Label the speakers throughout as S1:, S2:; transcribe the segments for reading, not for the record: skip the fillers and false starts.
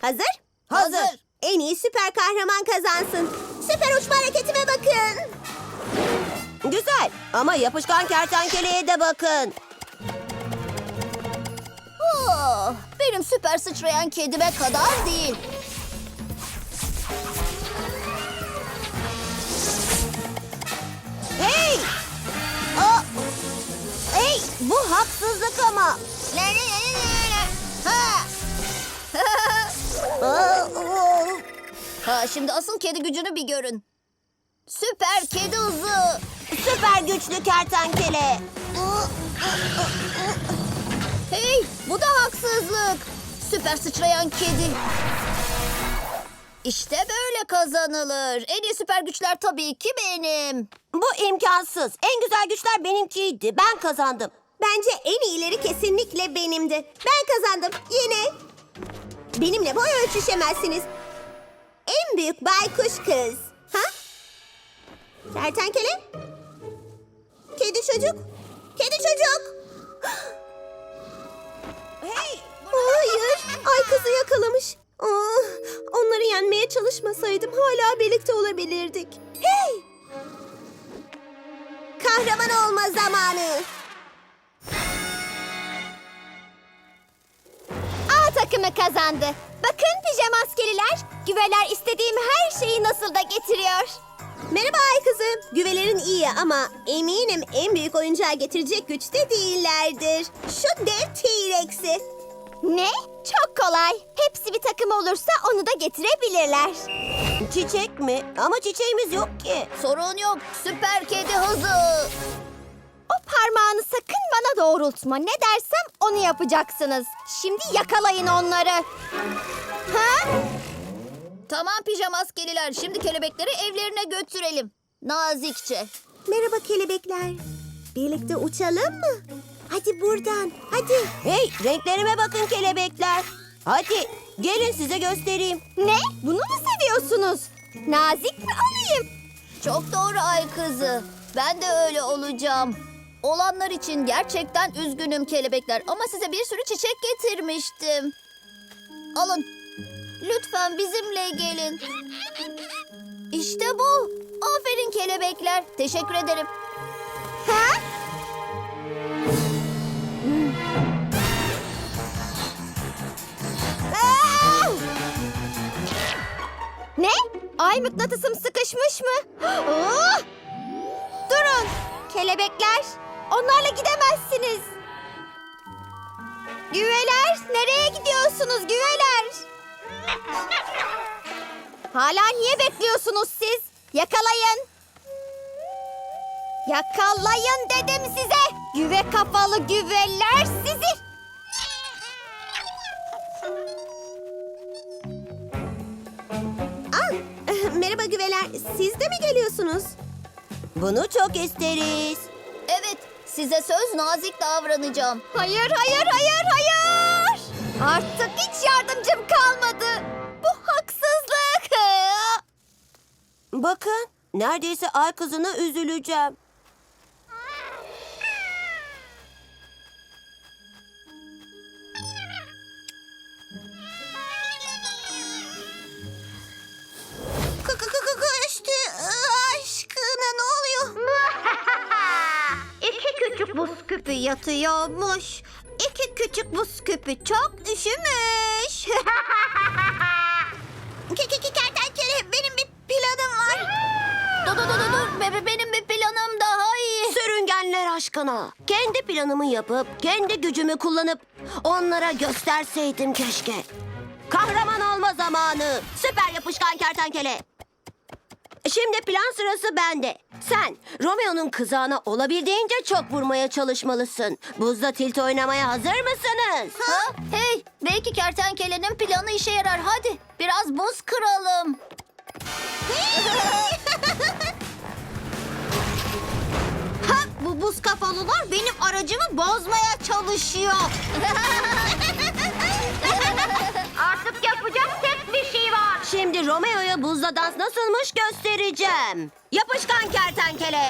S1: Hazır?
S2: Hazır.
S1: En iyi süper kahraman kazansın. Süper uçma hareketime bakın.
S2: Güzel ama yapışkan kertenkeleye de bakın.
S3: Oh, benim süper sıçrayan kedime kadar değil.
S2: Hey! Aa! Hey! Bu haksızlık ama.
S3: Ha!
S2: Aa!
S3: Ha, şimdi asıl kedi gücünü bir görün. Süper kedi hızı.
S2: Süper güçlü kertenkele.
S3: Hey, bu da haksızlık. Süper sıçrayan kedi. İşte böyle kazanılır. En iyi süper güçler tabii ki benim.
S2: Bu imkansız. En güzel güçler benimkiydi. Ben kazandım.
S1: Bence en iyileri kesinlikle benimdi. Ben kazandım. Yine. Benimle boy ölçüşemezsiniz. En büyük baykuş kız. Ha? Kertenkele? Kedi çocuk? Kedi çocuk!
S2: Hey!
S1: Hayır, ay kızı yakalamış. Onları yenmeye çalışmasaydım hala birlikte olabilirdik. Hey! Kahraman olma zamanı.
S3: A takımı kazandı. Bakın pijama askeriler. Güveler istediğim her şeyi nasıl da getiriyor.
S1: Merhaba ay kızı. Güvelerin iyi ama eminim en büyük oyuncağı getirecek güçte değillerdir. Şu dev T-Rex'i.
S3: Ne? Çok kolay. Hepsi bir takım olursa onu da getirebilirler.
S2: Çiçek mi? Ama çiçeğimiz yok ki.
S3: Sorun yok. Süper kedi hızı. O parmağını sakın bana doğrultma. Ne dersem onu yapacaksınız. Şimdi yakalayın onları. Ha? Tamam pijama askeriler. Şimdi kelebekleri evlerine götürelim. Nazikçe.
S1: Merhaba kelebekler. Birlikte uçalım mı? Hadi buradan, hadi.
S2: Hey! Renklerime bakın kelebekler. Hadi gelin size göstereyim.
S3: Ne? Bunu mu seviyorsunuz? Nazik mi olayım? Çok doğru ay kızı. Ben de öyle olacağım. Olanlar için gerçekten üzgünüm kelebekler ama size bir sürü çiçek getirmiştim. Alın. Lütfen bizimle gelin. İşte bu. Aferin kelebekler. Teşekkür ederim. Ha? Aa! Ne? Ay mıknatısım sıkışmış mı? Aa! Durun. Kelebekler. Onlarla gidemezsiniz. Güveler. Nereye gidiyorsunuz güveler? Hala niye bekliyorsunuz siz? Yakalayın. Yakalayın dedim size. Güve kafalı güveler sizi.
S1: Merhaba güveler, siz de mi geliyorsunuz?
S2: Bunu çok isteriz.
S3: Evet, size söz nazik davranacağım. Hayır, hayır, hayır, hayır. Artık hiç yardımcım kalmadı. Bu haksızlık.
S2: Bakın neredeyse ay kızına üzüleceğim.
S1: Kaçtı aşkına ne oluyor?
S3: İki küçük buz küpü yatıyormuş. İki küçük buz küpü çok üşümüş.
S1: Kertenkele benim bir planım var.
S3: Dur. Benim bir planım daha iyi.
S2: Sürüngenler aşkına. Kendi planımı yapıp, kendi gücümü kullanıp onlara gösterseydim keşke. Kahraman olma zamanı. Süper yapışkan kertenkele. Şimdi plan sırası bende. Sen Romeo'nun kızağına olabildiğince çok vurmaya çalışmalısın. Buzda tilt oynamaya hazır mısınız?
S3: Ha? Hey, belki kertenkelenin planı işe yarar. Hadi biraz buz kıralım. Ha, bu buz kafalılar benim aracımı bozmaya çalışıyor. Artık yapacak tek bir şey var.
S2: Şimdi Romeo'ya buzda dans nasılmış göstereceğim. Yapışkan kertenkele.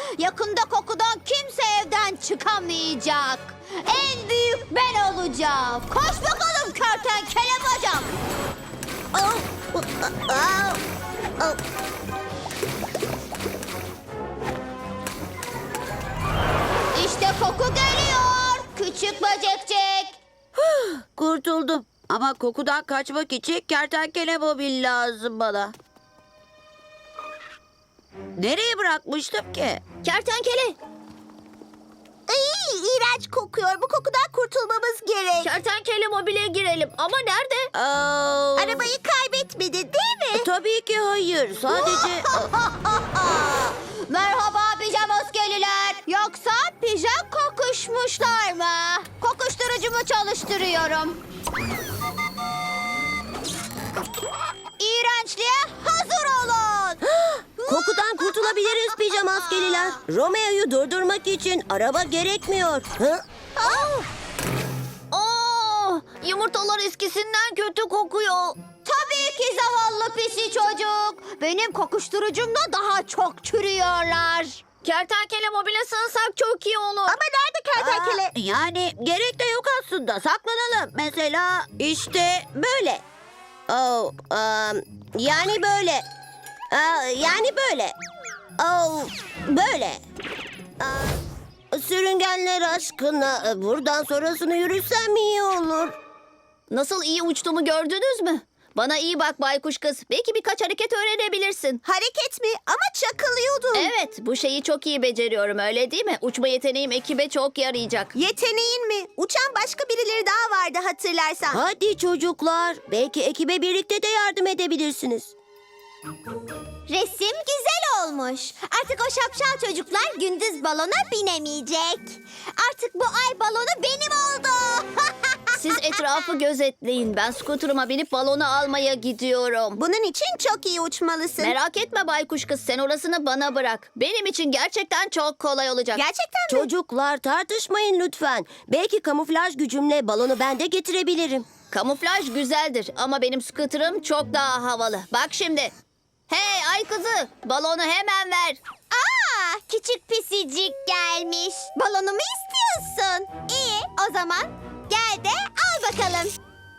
S3: Yakında kokudan kimse evden çıkamayacak. En büyük ben olacağım. Koş bakalım kertenkele bacak. İşte koku geliyor. Küçük böcekcik.
S2: Kurtuldum. Ama kokudan kaçmak için kertenkele mobil lazım bana. Nereye bırakmıştım ki?
S3: Kertenkele.
S2: İğrenç kokuyor. Bu kokudan kurtulmamız gerek.
S3: Kertenkele mobile girelim. Ama nerede?
S2: Arabayı kaybetmedi değil mi? Tabii ki hayır. Sadece...
S3: Merhaba pijamaskeliler. Yoksa pijam kokuşmuşlar mı? Kokuşturucumu çalıştırıyorum. İğrençliğe hazır olun.
S2: Kokudan kurtulabiliriz pijama askeriler. Romeo'yu durdurmak için araba gerekmiyor.
S3: Yumurtalar eskisinden kötü kokuyor. Tabii ki zavallı pisi çocuk. Benim kokuşturucumda daha çok çürüyorlar. Kertenkele mobile sığınsak çok iyi olur.
S2: Ama nerede kertenkele? Yani gerek de yok aslında. Saklanalım. Mesela işte böyle. Yani böyle. Yani böyle. Böyle. Sürüngenler aşkına buradan sonrasını yürüsem iyi olur.
S3: Nasıl iyi uçtuğumu gördünüz mü? Bana iyi bak baykuş kız. Belki birkaç hareket öğrenebilirsin.
S2: Hareket mi? Ama çakılıyordum.
S3: Evet, bu şeyi çok iyi beceriyorum öyle değil mi? Uçma yeteneğim ekibe çok yarayacak.
S2: Yeteneğin mi? Uçan başka birileri daha vardı hatırlarsan. Hadi çocuklar. Belki ekibe birlikte de yardım edebilirsiniz.
S1: Resim güzel olmuş. Artık o şapşal çocuklar gündüz balona binemeyecek. Artık bu ay balonu benim oldu.
S3: Siz etrafı gözetleyin. Ben skuterıma binip balonu almaya gidiyorum.
S2: Bunun için çok iyi uçmalısın.
S3: Merak etme baykuş kız, sen orasını bana bırak. Benim için gerçekten çok kolay olacak.
S2: Gerçekten mi? Çocuklar tartışmayın lütfen. Belki kamuflaj gücümle balonu ben de getirebilirim.
S3: Kamuflaj güzeldir ama benim skuterım çok daha havalı. Bak şimdi. Hey ay kızı, balonu hemen ver.
S1: Aa, küçük pisicik gelmiş. Balonumu istiyorsun. İyi, o zaman gel de al bakalım.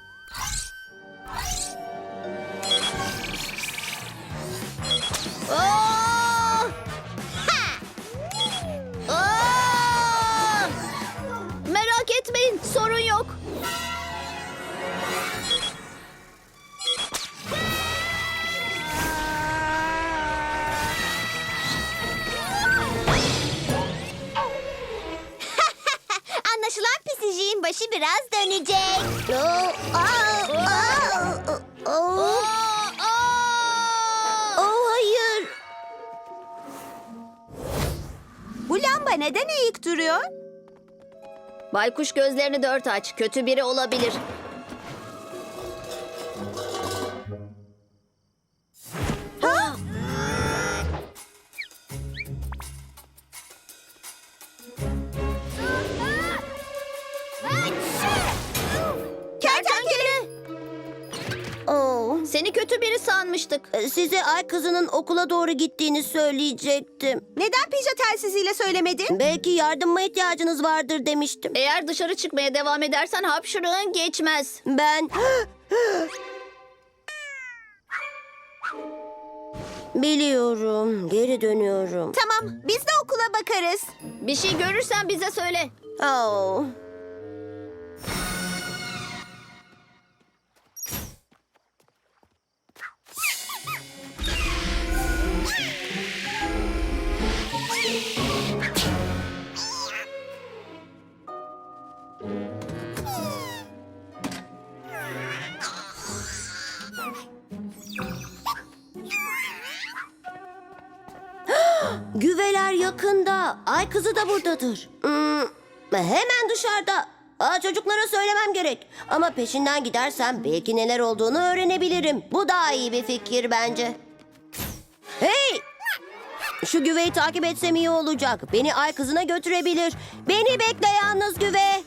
S3: Oo! Oo! Merak etmeyin, sorun yok.
S1: Anlaşılan pisiciğin başı biraz dönecek.
S2: Hayır. Bu lamba neden eğik duruyor?
S3: Baykuş gözlerini dört aç. Kötü biri olabilir. Kertenkele! Seni kötü biri sanmıştık.
S2: Size ay kızının okula doğru gittiğini söyleyecektim. Neden pija telsiziyle söylemedin? Belki yardıma ihtiyacınız vardır demiştim.
S3: Eğer dışarı çıkmaya devam edersen hapşırığın geçmez.
S2: Ben... Biliyorum. Geri dönüyorum. Tamam. Biz de okula bakarız.
S3: Bir şey görürsen bize söyle.
S2: Oh. Güveler yakında. Ay kızı da buradadır. Hemen dışarıda. Çocuklara söylemem gerek. Ama peşinden gidersem belki neler olduğunu öğrenebilirim. Bu daha iyi bir fikir bence. Hey! Şu güveyi takip etsem iyi olacak. Beni ay kızına götürebilir. Beni bekle yalnız güve.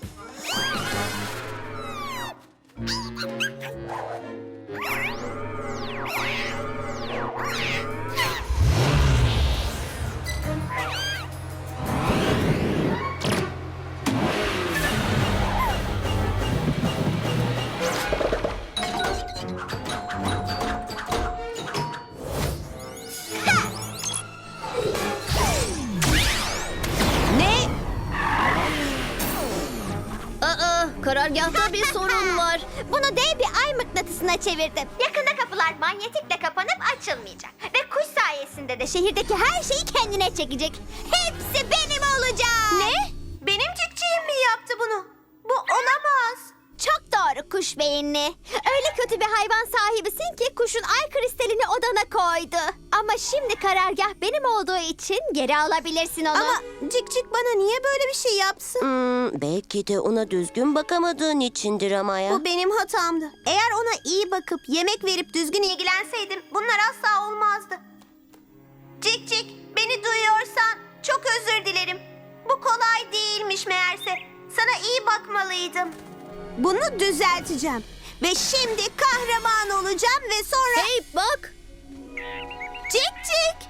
S3: karargahta bir sorun var.
S1: Bunu dev bir ay mıknatısına çevirdim. Yakında kapılar manyetikle kapanıp açılmayacak. Ve kuş sayesinde de şehirdeki her şeyi kendine çekecek. Hepsi benim olacak. Ne? Benim cikciğim mi yaptı bunu? Bu olamaz. Çok doğru kuş beyinli. Öyle kötü bir hayvan sahibisin ki kuşun ay kristalini odana koydu. Ama şimdi karargah benim olduğu için geri alabilirsin onu.
S2: Ama
S1: Cikcik bana niye böyle bir şey yapsın?
S2: Belki de ona düzgün bakamadığın içindir ama ya.
S1: Bu benim hatamdı. Eğer ona iyi bakıp yemek verip düzgün ilgilenseydim bunlar asla olmazdı. Cik cik, beni duyuyorsan çok özür dilerim. Bu kolay değilmiş meğerse. Sana iyi bakmalıydım. Bunu düzelteceğim. Ve şimdi kahraman olacağım ve sonra...
S3: Hey bak.
S1: Cik cik.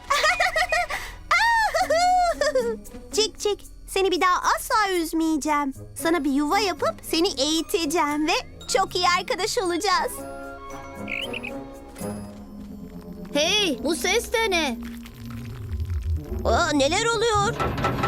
S1: Cik cik, seni bir daha asla üzmeyeceğim. Sana bir yuva yapıp seni eğiteceğim ve çok iyi arkadaş olacağız.
S3: Hey, bu ses de ne?
S2: Neler oluyor?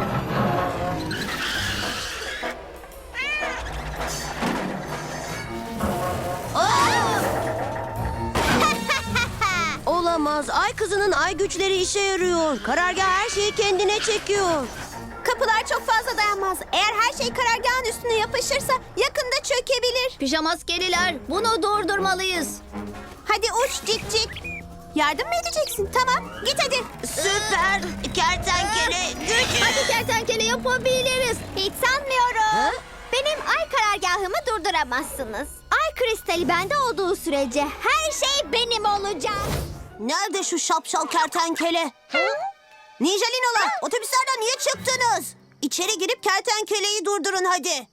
S2: Olamaz. Ay kızının ay güçleri işe yarıyor. Karargah her şeyi kendine çekiyor.
S1: Kapılar çok fazla dayanmaz. Eğer her şey karargahın üstüne yapışırsa yakında çökebilir.
S3: Pijamaskeliler, bunu durdurmalıyız.
S1: Hadi uç cik cik. Yardım mı edeceksin? Tamam, git hadi.
S2: Süper kertenkele gücü.
S3: Hadi kertenkele yapabiliriz.
S1: Hiç sanmıyorum.
S2: Ha?
S1: Benim ay karargahımı durduramazsınız. Ay kristali bende olduğu sürece her şey benim olacak.
S2: Nerede şu şapşal kertenkele? Ninjalinolar, otobüslerden niye çıktınız? İçeri girip kertenkeleyi durdurun hadi.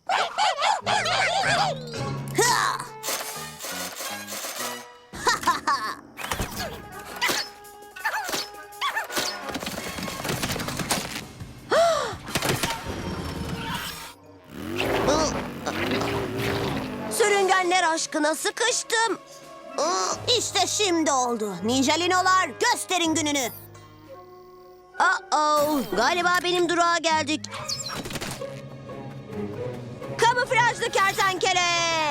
S2: Ha! Sürüngenler aşkına sıkıştım. İşte şimdi oldu. Ninjalinolar gösterin gününü. Galiba benim durağa geldik. Kamuflajlı kertenkele.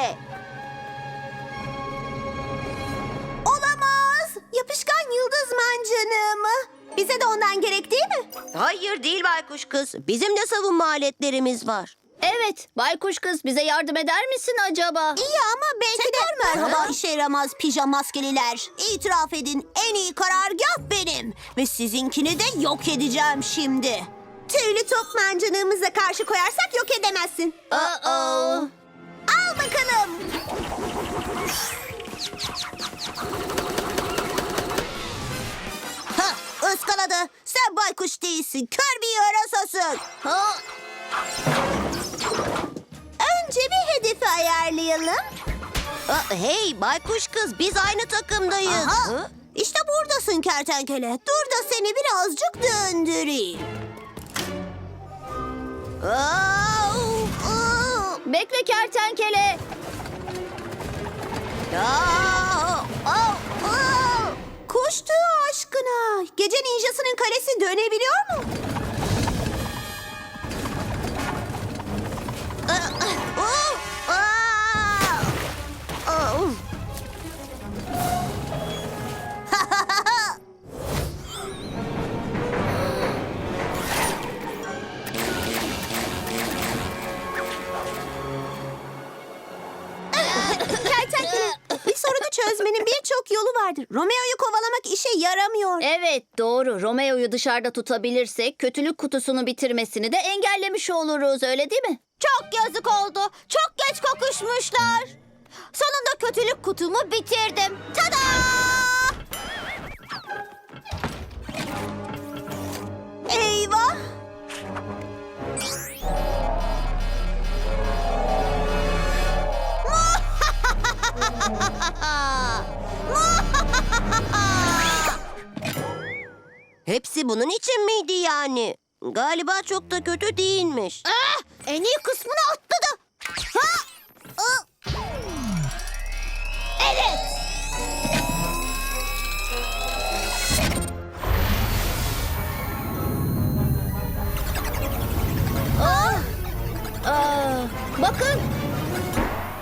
S1: Olamaz. Yapışkan yıldız mancınığı mı? Bize de ondan gerek değil mi?
S2: Hayır değil baykuş kız. Bizim de savunma aletlerimiz var.
S3: Evet, baykuş kız bize yardım eder misin acaba?
S1: İyi ama belki de...
S2: Merhaba işe yaramaz pijamaskeliler. İtiraf edin, en iyi karargah benim. Ve sizinkini de yok edeceğim şimdi.
S1: Tüylü top mancınığımıza karşı koyarsak yok edemezsin.
S3: Uh-oh.
S1: Al bakalım.
S2: Ha, ıskaladı. Sen baykuş değilsin, kör bir yarasasın.
S3: Ha,
S1: Önce bir hedefi ayarlayalım.
S2: Hey baykuş kız, biz aynı takımdayız.
S1: Aha.
S2: İşte buradasın kertenkele. Dur da seni birazcık döndüreyim.
S3: bekle kertenkele.
S1: Kuş tüyü aşkına. Gece ninjasının kalesi dönebiliyor mu? Kertenkele, bir sorunu çözmenin birçok yolu vardır. Romeo'yu kovalamak işe yaramıyor.
S3: Evet, doğru. Romeo'yu dışarıda tutabilirsek kötülük kutusunu bitirmesini de engellemiş oluruz, öyle değil mi?
S1: Çok yazık oldu. Çok geç kokuşmuşlar. Sonunda kötülük kutumu bitirdim. Tada! Eyvah!
S2: Hepsi bunun için miydi yani? Galiba çok da kötü değilmiş.
S1: En iyi kısmını atladı. Ha! Evet.
S3: Bakın.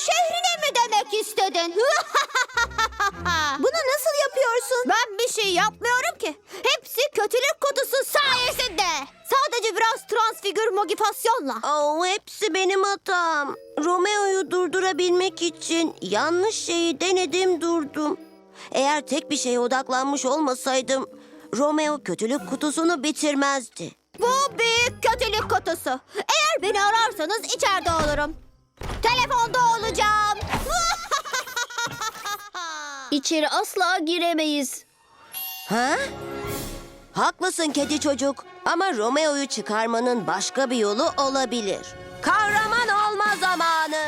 S3: şehrine mi demek istedin?
S2: Bunu nasıl yapıyorsun?
S3: Ben bir şey yapmıyorum ki. Hepsi kötülük kutusu sayesinde. Sadece biraz transfigür mogifasyonla.
S2: Hepsi benim hatam. Romeo'yu durdurabilmek için yanlış şeyi denedim durdum. Eğer tek bir şeye odaklanmış olmasaydım Romeo kötülük kutusunu bitirmezdi.
S3: Bu büyük kötülük kutusu. Eğer beni ararsanız içeride olurum. Telefonda olacağım. İçeri asla giremeyiz.
S2: Ha? Haklısın kedi çocuk. Ama Romeo'yu çıkarmanın başka bir yolu olabilir. Kahraman olma zamanı.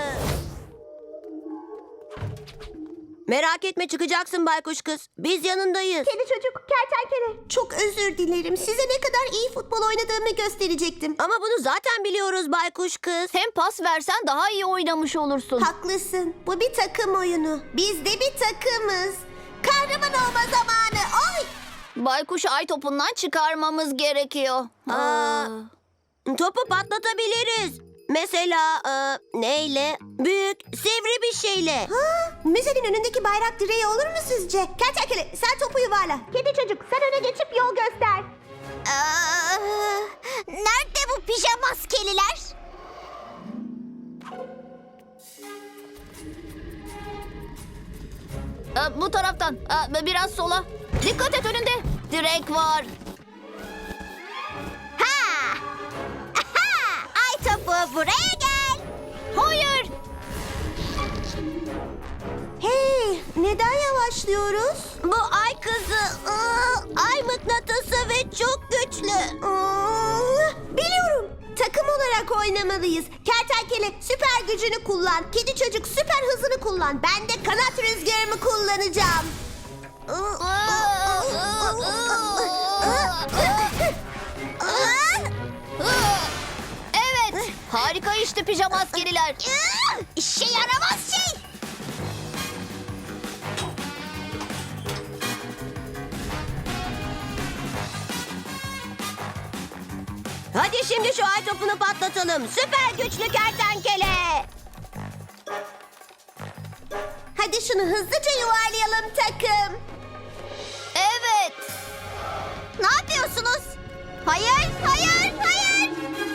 S2: Merak etme çıkacaksın baykuş kız. Biz yanındayız.
S4: Kedi çocuk, kertenkele. Çok özür dilerim. Size ne kadar iyi futbol oynadığımı gösterecektim.
S2: Ama bunu zaten biliyoruz baykuş kız.
S3: Hem pas versen daha iyi oynamış olursun.
S4: Haklısın. Bu bir takım oyunu. Biz de bir takımız. Kahraman olma zamanı. Oy!
S3: Baykuşu ay topundan çıkarmamız gerekiyor.
S2: Topu patlatabiliriz. Mesela neyle? Büyük, sivri bir şeyle.
S4: Müzenin önündeki bayrak direği olur mu sizce? Kertenkele sen topu yuvarla. Kedi çocuk sen öne geçip yol göster.
S3: Nerede bu pijamaskeliler? Bu taraftan. Biraz sola. Dikkat et önünde. Direk var.
S4: Ha! Aha! Ay topu buraya gel.
S3: Hayır.
S4: Hey, neden yavaşlıyoruz?
S2: Bu ay kızı, ay mıknatısı ve çok güçlü.
S4: Biliyorum. Takım olarak oynamalıyız. Kertenkele süper gücünü kullan. Kedi çocuk süper hızını kullan. Ben de kanat rüzgarımı kullanacağım.
S3: Evet. Harika işte pijamaskeliler.
S4: İşe yaramaz şey.
S2: Hadi şimdi şu ay topunu patlatalım. Süper güçlü kertenkele.
S4: Hadi şunu hızlıca yuvarlayalım takım.
S3: Evet.
S4: Ne yapıyorsunuz? Hayır, hayır, hayır.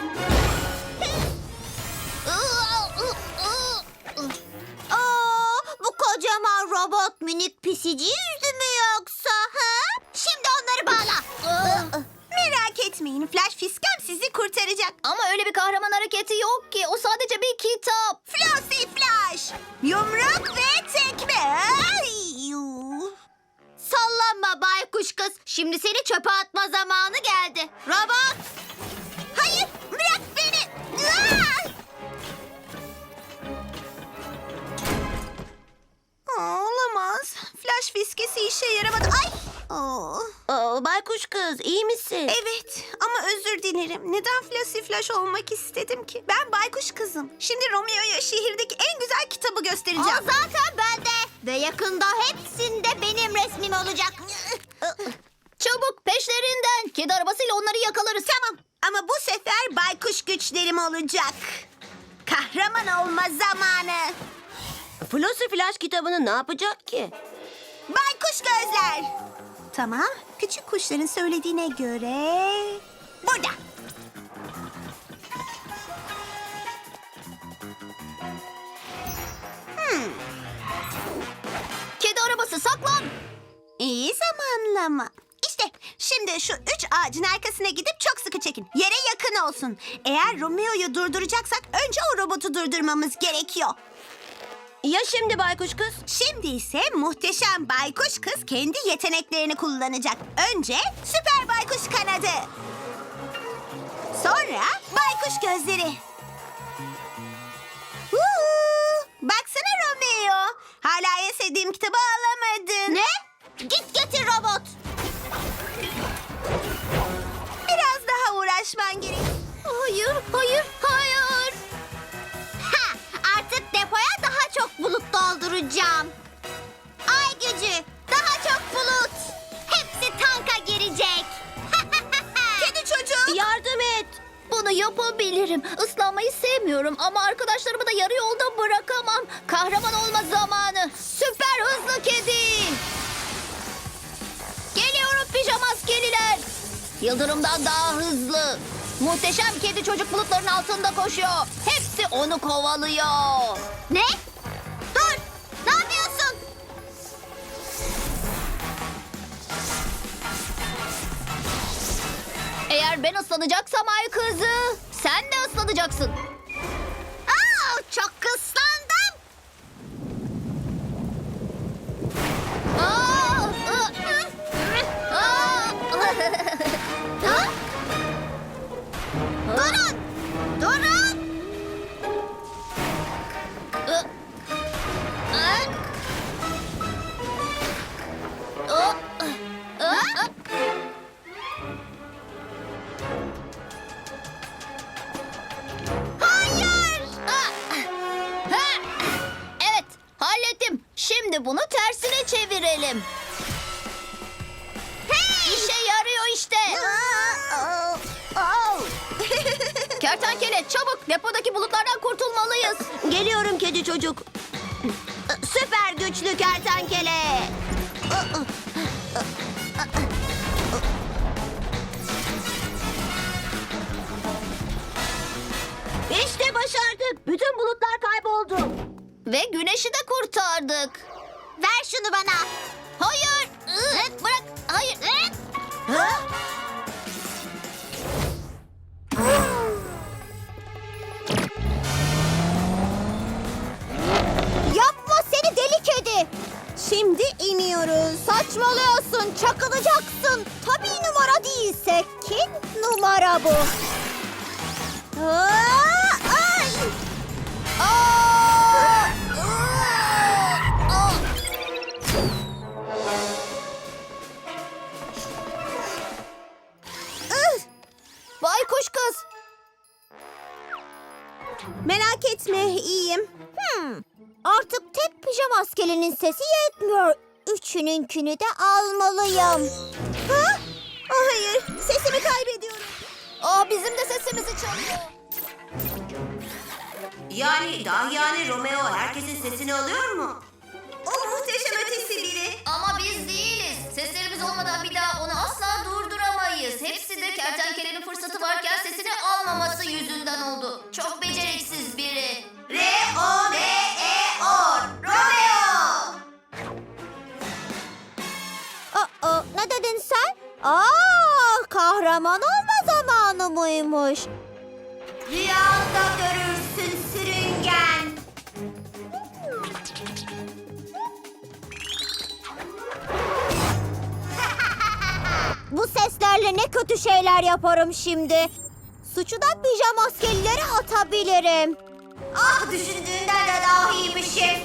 S4: Bu kocaman robot minik pisici yüzü mü yoksa? Ha? Şimdi onları bağla. Merak etmeyin, Flash Fiskem sizi kurtaracak.
S3: Ama öyle bir kahraman hareketi yok ki. O sadece bir kitap.
S4: Flossy Flash! Yumruk ve tekme! Ay, yuh. Sallanma baykuş kız. Şimdi seni çöpe atma zamanı geldi. Robot! Hayır! Bırak beni! Ah! Olamaz. Flash fiskesi işe yaramadı. Ay!
S2: Baykuş kız iyi misin?
S4: Evet ama özür dilerim. Neden Flossy Flash olmak istedim ki? Ben baykuş kızım. Şimdi Romeo'ya şehirdeki en güzel kitabı göstereceğim.
S3: zaten bende. Ve yakında hepsinde benim resmim olacak. Çabuk peşlerinden. Kedi arabasıyla onları yakalarız.
S4: Tamam ama bu sefer baykuş güçlerim olacak. Kahraman olma zamanı.
S2: Flossy Flash kitabını ne yapacak ki?
S4: Baykuş gözler. Tamam. Küçük kuşların söylediğine göre... Burada.
S3: Kedi arabası saklan.
S4: İyi zamanlama. İşte şimdi şu 3 ağacın arkasına gidip çok sıkı çekin. Yere yakın olsun. Eğer Romeo'yu durduracaksak önce o robotu durdurmamız gerekiyor.
S2: Ya şimdi baykuş kız?
S4: Şimdi ise muhteşem baykuş kız kendi yeteneklerini kullanacak. Önce süper baykuş kanadı. Sonra baykuş gözleri. Baksana Romeo. Hala en sevdiğim kitabı alamadın.
S3: Ne? Git getir robot.
S4: Biraz daha uğraşman gerek.
S3: Hayır, hayır, hayır.
S4: Ha, artık depoya daha çok bulut dolduracağım. Ay gücü, daha çok bulut. Hepsi tanka girecek. Kedi çocuk.
S2: Yardım et.
S3: Bunu yapabilirim. Islanmayı sevmiyorum ama arkadaşlarımı da yarı yolda bırakamam. Yıldırımdan daha hızlı. Muhteşem kedi çocuk bulutların altında koşuyor. Hepsi onu kovalıyor.
S4: Ne? Dur! Ne yapıyorsun?
S3: Eğer ben ıslanacaksam ay kızı, sen de ıslanacaksın.
S4: Aa, çok ıslandım.
S3: Aa! Aa!
S4: Ha? Durun! Durun! Hayır!
S3: Evet, hallettim. Şimdi bunu tersine çevirelim. İşe yarıyor işte. Kertenkele çabuk depodaki bulutlardan kurtulmalıyız.
S2: Geliyorum kedi çocuk. Süper güçlü kertenkele. İşte başardık. Bütün bulutlar kayboldu.
S3: Ve güneşi de kurtardık.
S4: Ver şunu bana.
S3: Hayır. Bırak. Hayır.
S2: Ha?
S3: Yapma seni deli kedi. Şimdi iniyoruz. Saçmalıyorsun. Çakılacaksın. Tabii numara değilse kim numara bu? Ay! Baykuş kız. Merak etme, iyiyim. Artık tek pijama askerinin sesi yetmiyor. Üçününkünü de almalıyım. Ha? Hayır, sesimi kaybediyorum. Bizim de sesimizi çalıyor.
S2: Yani Romeo herkesin sesini alıyor mu?
S4: O muhteşem ötesi biri.
S3: Ama biz değiliz. Seslerimiz olmadan bir daha onu asla durduramayız. Hepsi de kertenkelenin fırsatı varken sesini almaması yüzünden oldu. Çok beceriksiz biri.
S4: R-O-M-E-O. Romeo.
S3: Ne dedin sen? Kahraman olma zamanı mıymış?
S4: Rüyanda görürsün sürüngen.
S3: Bu seslerle ne kötü şeyler yaparım şimdi. Suçu da pijama askerlere atabilirim.
S4: Ah, düşündüğünden de daha iyiymişim.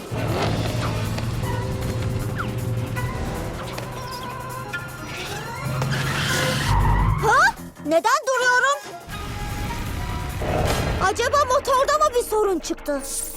S3: Ha? Neden duruyorum? Acaba motorda mı bir sorun çıktı?